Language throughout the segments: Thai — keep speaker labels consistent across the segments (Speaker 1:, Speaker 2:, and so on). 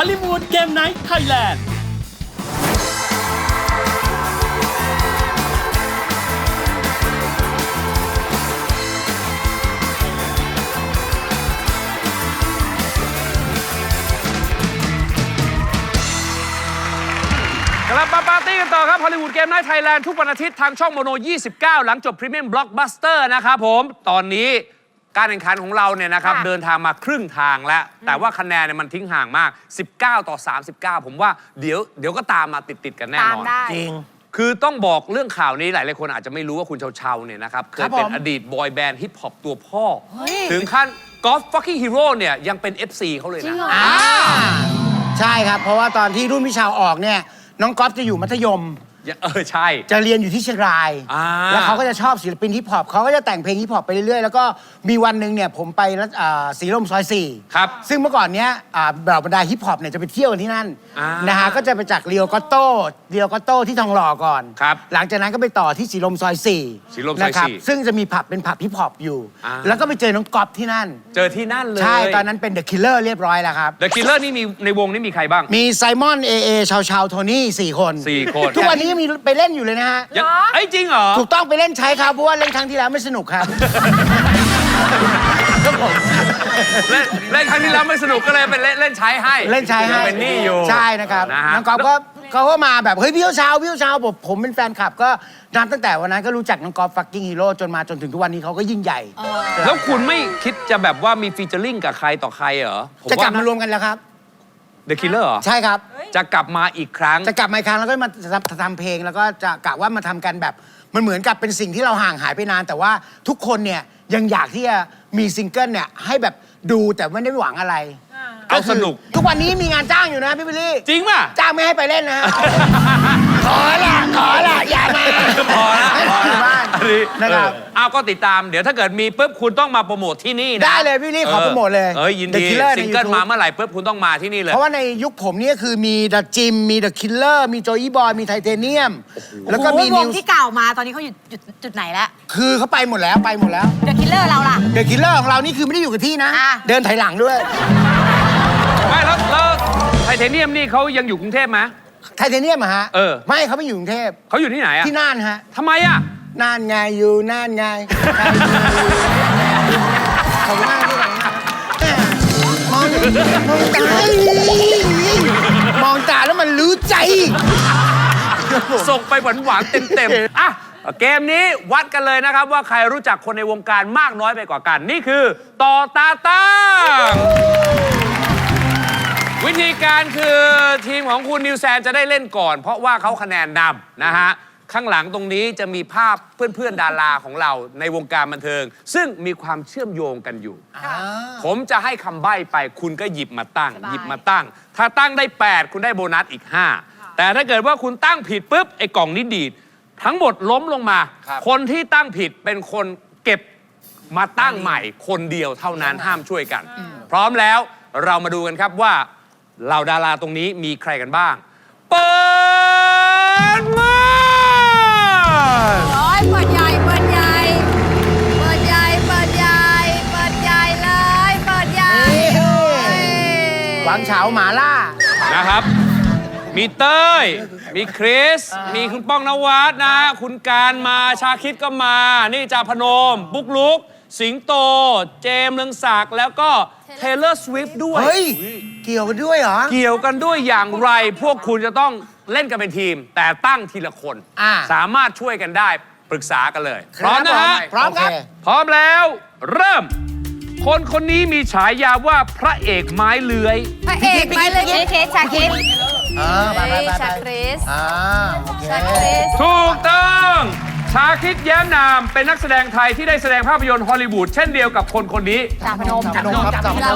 Speaker 1: ลลีวูดเกมไนท์ไทยแลนด์
Speaker 2: กลับมาปาร์ตี้กันต่อครับฮอลลีวูดเกมไนท์ไทยแลนด์ทุกวันอาทิตย์ทางช่องโมโน 29 หลังจบพรีเมียมบล็อกบัสเตอร์นะครับผมตอนนี้การแข่งขันของเราเนี่ยนะครับเดินทางมาครึ่งทางแล้วแต่ว่าคะแนนเนี่ยมันทิ้งห่างมาก19 ต่อ 39ผมว่าเดี๋ยวก็ตามมาติดกันแน่นอน
Speaker 3: จริง
Speaker 2: คือต้องบอกเรื่องข่าวนี้หลายคนอาจจะไม่รู้ว่าคุณเชาๆเนี่ยนะครับเคยเป็นอดีตบอยแบนด์ฮิปฮอปตัวพ่อถึงขั้นกอล์ฟฟักกิ้งฮีโร่เนี่ยยังเป็น FC เขาเลยนะ
Speaker 3: ใช่ครับเพราะว่าตอนที่รุ่นพี่ชาวออกเนี่ยน้องก๊อฟจะอยู่มัธยม
Speaker 2: ใช่
Speaker 3: จะเรียนอยู่ที่เชียงรายแล้วเขาก็จะชอบศิลปินฮิปฮอปเขาก็จะแต่งเพลงฮิปฮอปไปเรื่อยๆแล้วก็มีวันหนึ่งเนี่ยผมไปสีลมซอย4
Speaker 2: ครับ
Speaker 3: ซึ่งเมื่อก่อนเนี้ยเหล่าบรรดาฮิปฮอปเนี่ยจะไปเที่ยวกันที่นั่นนะฮะก็จะไปจากเรียวกอตโต้ที่ทองหล่อก่อนหลังจากนั้นก็ไปต่อที่สีลมซอย4นะครับซึ่งจะมีผับเป็นผับฮิปฮอปอยู่แล้วก็ไปเจอน้องก๊อฟที่นั่น
Speaker 2: เจอที่นั่นเลย
Speaker 3: ใช่ตอนนั้นเป็นเดอะคิลเลอร์เรียบร้อยแล้วครับ
Speaker 2: เดอะคิลเลอร์นี่มีในวงนี้มีใครบ้าง
Speaker 3: มีไซมอนชาวโทนี่4 คนทุกวันนี้ยังมีไปเล่นอยู่เลยนะฮะ
Speaker 2: จริงเหรอ
Speaker 3: ถูกต้องไปเล่นใช้ครับเพราะว่าเล่นครั้งที่แล้วไม่สนุกครับ
Speaker 2: ครับผมเล่นครั้งที่แล้วไม่สนุกก็เลยเป็นเล่นใช้ให้เป็นนี่อยู่
Speaker 3: ใช่นะครับน้องก๊อฟเขาก็มาแบบเฮ้ยพี่เช้าผมเป็นแฟนคลับก็นับตั้งแต่วันนั้นก็รู้จักน้องก๊อฟฟักกิ้งฮีโร่จนถึงทุกวันนี้เขาก็ยิ่งใหญ่
Speaker 2: แล้วคุณไม่คิดจะแบบว่ามีฟีเจอริ่งกับใครต่อใครเหรอ
Speaker 3: จะกลับมารวมกันแล้วครับ
Speaker 2: The Killer เหรอ
Speaker 3: ใช่ครับ
Speaker 2: จะกลับมาอีกครั้ง
Speaker 3: แล้วก็มาทำเพลงแล้วก็จะกะว่ามาทำกันแบบมันเหมือนกับเป็นสิ่งที่เราห่างหายไปนานแต่ว่าทุกคนเนี่ยยังอยากที่จะมีซิงเกิลเนี่ยให้แบบดูแต่ไม่ได้หวังอะไร
Speaker 2: เอาสนุก
Speaker 3: ทุกวันนี้มีงานจ้างอยู่นะพี่บิลลี่
Speaker 2: จริงป่ะ
Speaker 3: จ้างไม่ให้ไปเล่นนะขอละอย่ามา
Speaker 2: พอละ
Speaker 3: นะครับ
Speaker 2: เอาก็ติดตามเดี๋ยวถ้าเกิดมีปุ๊บคุณต้องมาโปรโมทที่นี่นะ
Speaker 3: ได้เลยพี่ลี่ขอโปรโมทเลย
Speaker 2: ยินดีซิงเกิลมาเมื่อไหร่ปุ๊บคุณต้องมาที่นี่เลย
Speaker 3: เพราะว่าในยุคผมนี่คือมีเดอะจิมมีเดอะคิลเลอร์มีโจอี้บอยมีไทเทเนียม
Speaker 4: แล้วก็มีวงที่เก่ามาตอนนี้เขาอยู่จุดไหนแล้ว
Speaker 3: คือเขาไปหมดแล้ว
Speaker 4: เดอะคิลเลอร์เราล่ะ
Speaker 3: เดอะคิลเลอร์ของเรานี่คือไม่ได้อยู่กับที่นะเดินถอยหลังด้วย
Speaker 2: ไม่แล้วไทเทเนียมนี่เขายังอยู่กรุงเทพไหม
Speaker 3: ไทเทเนียมอะฮะไม่เขาไม่อยู่กรุงเทพ
Speaker 2: เขาอยู่ที่ไหนอะ
Speaker 3: ที่น่านฮะ
Speaker 2: ทำไมอะ
Speaker 3: น่านไงอยู่น่านไงเขาหน้าที่ไหนมองตาแล้วมันรู้ใจ
Speaker 2: ส่งไปหวานๆเต็มๆอ่ะเกมนี้วัดกันเลยนะครับว่าใครรู้จักคนในวงการมากน้อยไปกว่ากันนี่คือต่อตาตั้งวิธีการคือทีมของคุณนิวแซนจะได้เล่นก่อนเพราะว่าเขาคะแนนนำนะฮะข้างหลังตรงนี้จะมีภาพเพื่อนๆดาราของเราในวงการบันเทิงซึ่งมีความเชื่อมโยงกันอยู่ผมจะให้คำใบ้ไปคุณก็หยิบมาตั้งถ้าตั้งได้8คุณได้โบนัสอีก5แต่ถ้าเกิดว่าคุณตั้งผิดปุ๊บไอ้กล่องนี้ดีดทั้งหมดล้มลงมาคนที่ตั้งผิดเป็นคนเก็บมาตั้งใหม่คนเดียวเท่านั้นห้ามช่วยกันพร้อมแล้วเรามาดูกันครับว่าเหล่าดาราตรงนี้มีใครกันบ้างเปิดมา
Speaker 4: เปิดใหญ่เลยเปิดใหญ่
Speaker 3: หวังเฉาหมาล่า
Speaker 2: นะครับมีเต้ยมีคริสมีคุณป้องนวัดนะคุณการมาชาคิดก็มานี่จาพนมบุ๊กลุกสิงโตเจมส์เรืองศักดิ์แล้วก็เทเลอร์สวิฟต์ด้วย
Speaker 3: เฮ้ยเกี่ยวกันด้วยเหรอ
Speaker 2: เกี่ยวกันด้วยอย่างไรพวกคุณจะต้องเล่นกันเป็นทีมแต่ตั้งทีละคนสามารถช่วยกันได้ปรึกษากันเลยพร้อมนะฮะ
Speaker 3: พร้อมครับ
Speaker 2: พร้อมแล้วเริ่มคนนี้มีฉายาว่าพระเอกไม้เลื้อย
Speaker 4: พระเอกไม้เลื้อยชาคริส
Speaker 2: ถูกต้องชาคิดแย้มนามเป็นนักแสดงไทยที่ได้แสดงภาพยนตร์ฮอลลีวูดเช่นเดียวกับคนนี้
Speaker 4: จ่าพนมมือจ่าพนม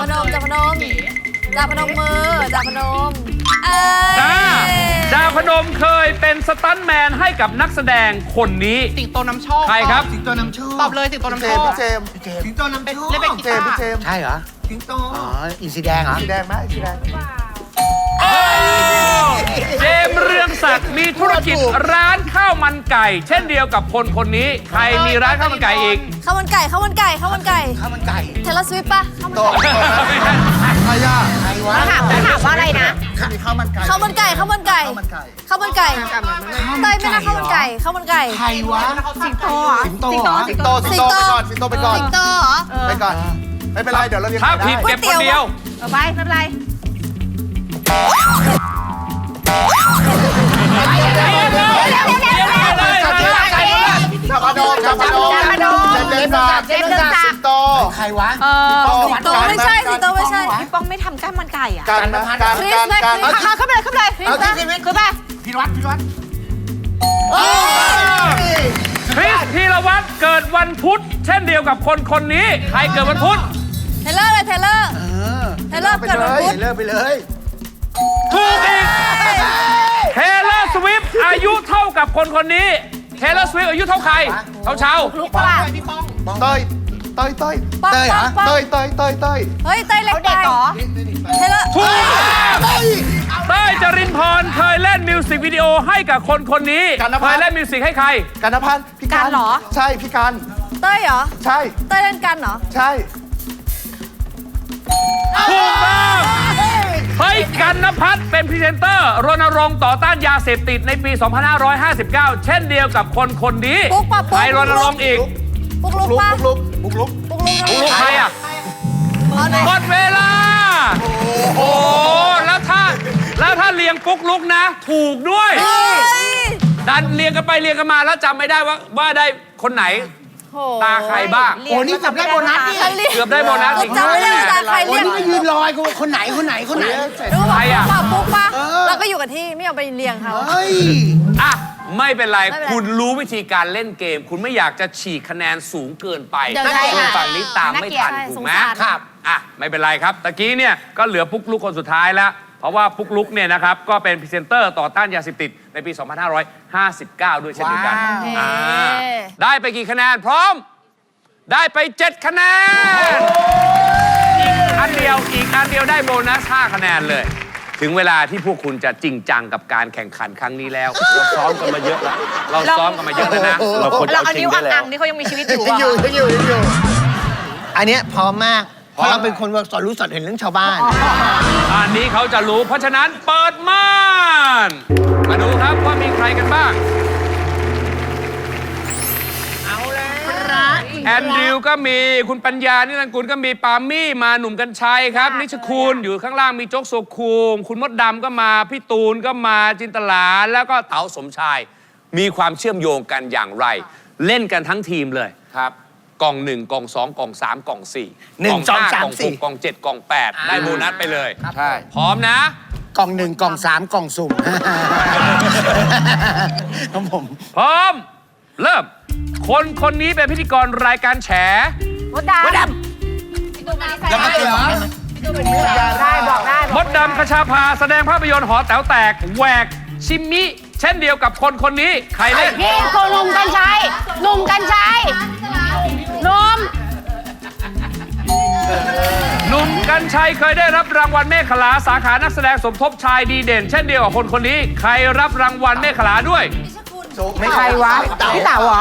Speaker 2: จ่าพนมเคยเป็นสตันท์แมนให้กับนักแสดงคนนี้
Speaker 5: สิงโตนำโชค
Speaker 2: ใครครับ
Speaker 5: สิงโตนำโชคตอบเลยสิงโตนำโชคสิงโตนำโชคเล่นเป็นกีตาร์
Speaker 3: ใช่เหรอ
Speaker 5: สิงโต
Speaker 3: อินสีแดงเหรอ
Speaker 5: สีแดงไหมสีแดง
Speaker 2: เจมส์เรืองศักดิ์มีธุรกิจร้านข้าวมันไก่เช่นเดียวกับคนนี้ใครมีร้านข้าวมันไก่อีก
Speaker 4: ข้าวมันไก่เทเลสวิฟป่ะ
Speaker 3: ใครอะ
Speaker 4: ถามว่าอะไรนะ
Speaker 6: ข้าวมันไก่เต้ยไม่น่าข้าวมันไก่ข้าวมันไก่
Speaker 3: ใครวะ
Speaker 4: สิงโตเหรอ
Speaker 3: สิงโตเหรอ
Speaker 5: สิงโตไปก่อน
Speaker 6: สิงโตเหรอ
Speaker 5: ไปก่อนไม่เป็นไรเดี๋ยวเราเรียน
Speaker 2: ถ้าผิดเก็บคนเดียว
Speaker 4: เอาไปไม่เป็นไร
Speaker 5: จับมาโดนเจมส์สิงโต
Speaker 3: ใครวะ
Speaker 6: สิงโตไม่ใช่สิงโตไม่ใช่
Speaker 4: พี่ป้องไม่ทำก้านมันไก่อ่ะ
Speaker 5: การ
Speaker 6: คริสไหม
Speaker 4: เข้าไปเลยเข้าไปเลยขึ้นไป
Speaker 3: พี่วัด
Speaker 2: คริสพีรวัตรเกิดวันพุธเช่นเดียวกับคนคนนี้ ใครเกิดวันพุธ
Speaker 6: เทเลอร์เลยเทเลอร์เกิดวันพุธ
Speaker 3: เลิกไปเลย
Speaker 2: ถูกอีกเทเลอร์สวิฟอายุเท่ากับคนคนนี้เทเลอร์สวิฟอายุเท่าใครเท่าเชา
Speaker 4: ลูกป่ะ
Speaker 5: เต้ย
Speaker 6: ป้องป้อง
Speaker 5: เต้ย
Speaker 6: เฮ้ยเต้ยเล็ก
Speaker 4: เด็กเหรอ
Speaker 6: เทเลอร์
Speaker 2: ถูกเต้ยจรินพรเคยเล่นมิวสิกวิดีโอให้กับคนคนนี้เคยเล่นมิวสิกให้ใคร
Speaker 5: กันนพันธ์พี่การเหรอใช่พี่การ
Speaker 6: เต้ยเหรอ
Speaker 5: ใช่
Speaker 6: เต้ยเล่นกันเหรอ
Speaker 5: ใช่
Speaker 2: ถูกต้องเฮ้ยกันนภัทรเป็นพรีเซนเตอร์รณรงค์ต่อต้านยาเสพติดในปี 2559 เช่นเดียวกับคนคนนี้
Speaker 6: ปุ๊กป่ะปุ๊ก
Speaker 2: ใครรณรงค์อีก
Speaker 6: ปุ๊กลุกป่ะ
Speaker 5: ลุก
Speaker 6: ปุ๊กลุก
Speaker 2: ลูกใครอ่ะ หมดเวลา โอ้แล้วถ้าเรียงปุ๊กลุกนะ ถูกด้วย ดันเรียงกันไปเรียงกันมาแล้วจำไม่ได้ว่าได้คนไหน ตาใครบ้าง
Speaker 3: โอ้นี่จับได้โบนัสนี่
Speaker 2: เกือบได้โบนัสอีก
Speaker 6: จำไม่ได้ตาใคร
Speaker 3: โอ้
Speaker 6: เรียก
Speaker 3: นี่ก็ยืนรอยกูคนไหน
Speaker 6: รู้
Speaker 2: ใคร
Speaker 6: ป่ะ
Speaker 2: อะ
Speaker 6: ปุ๊กป่ะเราก็อยู่กับที่ไม่เอาไปเรียงเขา
Speaker 3: เฮ้ย
Speaker 2: อ่ะ ไม่เป็นไร
Speaker 6: ไม่เป็นไร
Speaker 2: คุณรู้วิธีการเล่นเกม คุณไม่อยากจะฉีกคะแนนสูงเกินไป
Speaker 6: เดี๋ยวใช่
Speaker 2: ส่วนฝั่งนี้ตามไม่ทัน
Speaker 6: น่าเกลียด
Speaker 2: ถูกไหม
Speaker 6: สงสาร
Speaker 2: ครับอ่ะไม่เป็นไรครับตะกี้เนี่ยก็เหลือปุ๊กลุกคนสุดท้ายแล้ว เพราะว่าปุ๊กลุกเนี่ยนะครับก็เป็นพรีเซนเตอร์ต่อต้านยาเสพติดในปี 2559 ด้วยเช่นเดียวกัน
Speaker 6: ว้าว
Speaker 2: อ่าได้ไปกี่คะแนนพร้อม ได้ไป 7 คะแนน อีกอันเดียวได้โบนัส 5 คะแนนเลย ถึงเวลาที่พวกคุณจะจริงจังกับการแข่งขันครั้งนี้แล้ว เราซ้อมกันมาเยอะแล้วเราซ้อมกันมาเยอะแล้วนะ เราควรจะ
Speaker 4: เรา
Speaker 2: เอา
Speaker 4: เอา
Speaker 2: จริ
Speaker 4: นิ้
Speaker 2: ง
Speaker 4: ว
Speaker 2: ได้แล้
Speaker 4: อั
Speaker 2: ว
Speaker 4: งๆนี่เขายังมีชีวิตอยู่
Speaker 3: ยังอยู่
Speaker 5: อันเนี้ยพร้อมมากเพราะเราเป็นคนสอนรู้สอนเห็นเรื่องชาวบ้าน
Speaker 2: อันนี้เขาจะรู้ เพราะฉะนั้นเปิดม่าน มาดูครับว่ามีใครกันบ้าง แอนดริวก็มีคุณปัญญานิรันดร์กุลก็มีปามี่มาหนุ่มกัญชัยครับ นิชคุณอยู่ข้างล่างมีโจ๊กโซคูมคุณมดดำก็มาพี่ตูนก็มาจินตลาแล้วก็เต๋าสมชาย มีความเชื่อมโยงกันอย่างไร เล่นกันทั้งทีมเลยครับกล่อง1กล่อง2กล่อง3กล่อง4
Speaker 3: 1
Speaker 2: กล่อง
Speaker 3: 2
Speaker 2: 5
Speaker 3: 3
Speaker 2: กล่อง6กล่อง7กล่อง8ได้โบนัสไปเลย
Speaker 3: ใช่
Speaker 2: พร้อมนะ
Speaker 3: กล่อง 1 กล่อง 3 กล่องสุ่มครับผม
Speaker 2: พร้อม เริ่ม คนคนนี้เป็นพิธีกรรายการแฉ
Speaker 4: มดดำ
Speaker 3: แล้วก็เหรอ
Speaker 4: ได้บอกได้
Speaker 2: มดดำคชาภาแสดงภาพยนตร์หอแต๋วแตกแหวกชิมมิ เช่นเดียวกับคนคนนี้ ใครเล่น
Speaker 4: พี่โคหนุ่มกัญชัยหนุ่มกัญชัยนม
Speaker 2: หนุ่มกัญชัยเคยได้รับรางวัลเมฆขลาสาขานักแสดงสมทบชายดีเด่น เช่นเดียวกับคนคนนี้ ใครรับรางวัลเมฆขลาด้วย
Speaker 5: ไม่ใครวะพี่เต๋าเหรอ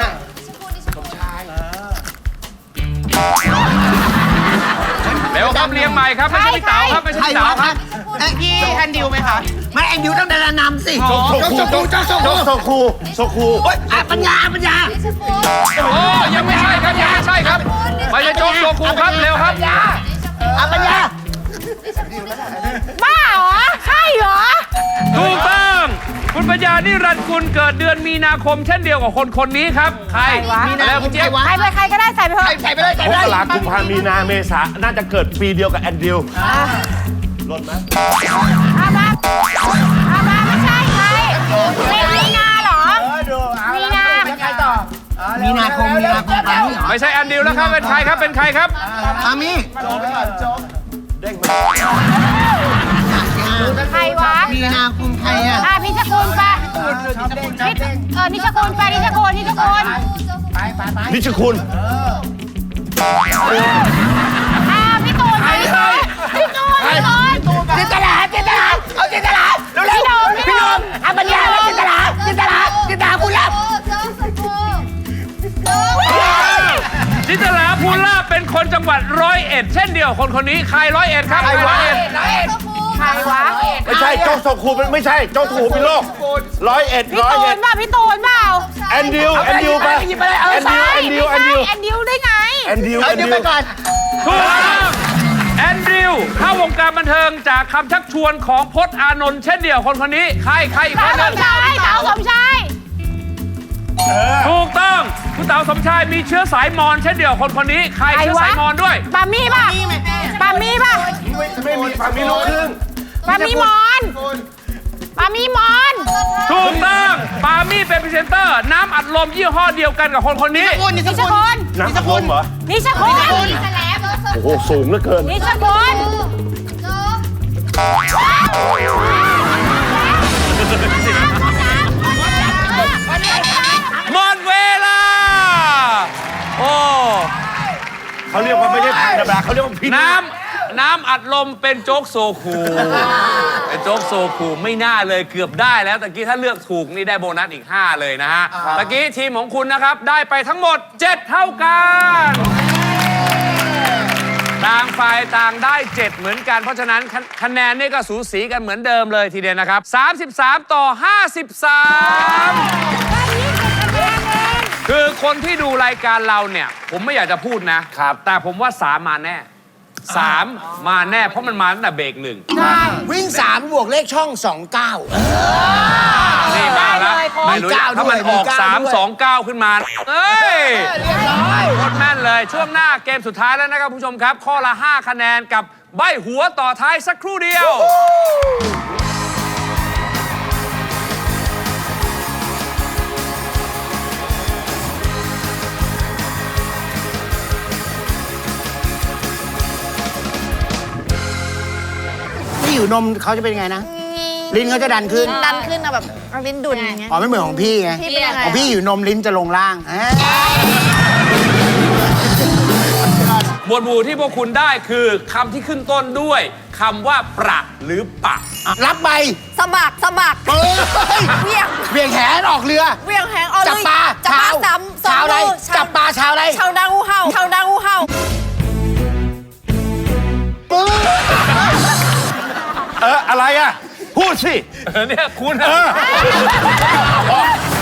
Speaker 2: เร็วครับเรียงใหม่ครับ ไม่ใช่พี่เต๋าครับ ไม่ใช่พี่เต๋าครับ
Speaker 5: พี่แอนดิวไหมคะ
Speaker 3: ไม่แอนดิวต้องดารานำสิโซคูปัญญา
Speaker 2: โอ้ยังไม่ใช่ครับ ยังไม่ใช่ครับไม่ใช่โจ๊กโซคูครับ เร็วครับ
Speaker 3: ปัญญา
Speaker 4: บ้าเหรอใช่เหรอ
Speaker 2: ถูกต้องคุณปัญญานิรันดร์กุลเกิดเดือนมีนาคม เช่นเดียวกับคนคนนี้ครับ ใคร
Speaker 3: มีนา
Speaker 2: แล้ว
Speaker 3: คม
Speaker 2: คุณเจี๊ยบ
Speaker 4: ใครไปใครก็ได้ใส่ไปเถอะ
Speaker 3: ใส่ไปเลย
Speaker 7: มกรากุมภามีนาเมษาน่าจะเกิดปีเดียวกับแอนดริวหล่นไหม
Speaker 4: อามาไม่ใช่ใครมีนาเหรอมีนา
Speaker 3: ใครต่อมีนาคมปามี่
Speaker 2: ไม่ใช่แอนดิวแล้วครับ เป็นใครครับ เป็นใครครับ
Speaker 3: ปามี่
Speaker 4: ใครวะ
Speaker 3: มีนาคมใครอ่ะ
Speaker 4: พิชกูลปะนิชกูลไปนิชกูล
Speaker 7: นิชคุณ
Speaker 4: พี่ตูนไปพี่ตูนจินตลาเอาจินตลาเร็วๆพี่นมอาปัญญาจินตลาคุณรับ
Speaker 2: จินตลาภูลาภเป็นคนจังหวัดร้อยเอ็ด เช่นเดียวคนคนนี้ ใครร้อยเอ็ดครับ ใครร้อยเอ็ด
Speaker 4: ใครรวะ
Speaker 7: ไม่ใช่โจ๊กโซคูไม่ใช่โจ๊กโซคูพิโลก101
Speaker 4: พี่ตูนป่ะพี่ตูนเปล่า
Speaker 7: แอนดิวไปแอนดิว
Speaker 4: ได้ไง
Speaker 7: แอนดิว
Speaker 3: เดี๋ยวไปก่อน
Speaker 2: ถูกต้องแอนดริวเข้าวงการบันเทิงจากคำชักชวนของพจน์อานนท์เช่นเดียวคนนี้ใครอีกคนหนึง
Speaker 4: เต๋าสมชาย
Speaker 2: ถูกต้องคุณเต๋าสมชายมีเชื้อสายมอญเช่นเดียวคนนี้ใครเชื้อสายมอญด้วย
Speaker 4: ปามี่ป่ะ
Speaker 7: ไม่มีฝั่งมีลูกครึ่ง
Speaker 4: ปามี่มอน
Speaker 2: ถูกต้องปามี่เป็นพรีเซนเตอร์น้ำอัดลมยี่ห้อเดียวกันกับคนนี้
Speaker 4: นิชคุณ
Speaker 7: น้ำอัดลมเหรอ
Speaker 4: นิชคุณ
Speaker 7: โอ้โหสูงเหลือเกิน
Speaker 4: นิชคุณ
Speaker 2: หมดเวลาโอ้
Speaker 7: เขาเรียกว่าไม่ใช่ธรรมดาเขาเรียกว่าพิษ
Speaker 2: น้ำอัดลมเป็นโจ๊กโซคูเป็นโจ๊กโซคูไม่น่าเลยเกือบได้แล้วตะกี้ถ้าเลือกถูกนี่ได้โบนัสอีก 5 เลยนะฮะตะกี้ทีมของคุณนะครับได้ไปทั้งหมด 7 เท่ากันต่างฝ่ายต่างได้ 7 เหมือนกันเพราะฉะนั้นคะแนนนี่ก็สูสีกันเหมือนเดิมเลยทีเดียวนะครับ33 ต่อ 53 คือคนที่ดูรายการเราเนี่ยผมไม่อยากจะพูดนะแต่ผมว่า3มาแน่3มาแน่เพราะมันมาตั้งแต่เบรกหนึ่ง
Speaker 3: วิ่ง 3 บวกเลขช่อง 29
Speaker 2: นี่มาแล้วไม่รู้ถ้ามันออก3 2 9 ขึ้นมาเอ้ยโคตรแม่นเลยช่วงหน้าเกมสุดท้ายแล้วนะครับคุณผู้ชมครับ ข้อละ 5 คะแนนกับใบหัวต่อท้ายสักครู่เดียว
Speaker 3: ที่อยู่นมเขาจะเป็นยังไงนะ ลิ้นเขาจะดันขึ้น
Speaker 6: ดันขึ้นอะแบบเอาลิ้นดุนอย่างเงี้ย
Speaker 3: อ๋อไม่เหมือนของพี่ไง
Speaker 6: พี่เป็นยังไง
Speaker 3: ของพี่อยู่นมลิ้นจะลงล่าง
Speaker 2: หมวดหมู่ที่พวกคุณได้คือคำที่ขึ้นต้นด้วยคำว่าประหรือปะ
Speaker 3: รับใบ
Speaker 6: สะบักเวียง
Speaker 3: เบี่ยงแหนออกเรือ
Speaker 6: เวียงแหงเอา
Speaker 3: จับปลา
Speaker 6: จับปลา
Speaker 3: ชาว
Speaker 6: สอง
Speaker 3: อะไร
Speaker 6: มือ
Speaker 3: จับปลาชาวอะไร
Speaker 6: ชาวนางูเห่าชาวนางูเห่า
Speaker 7: อะไรอ่ะ พูดสิ
Speaker 2: เนี่ยคุณ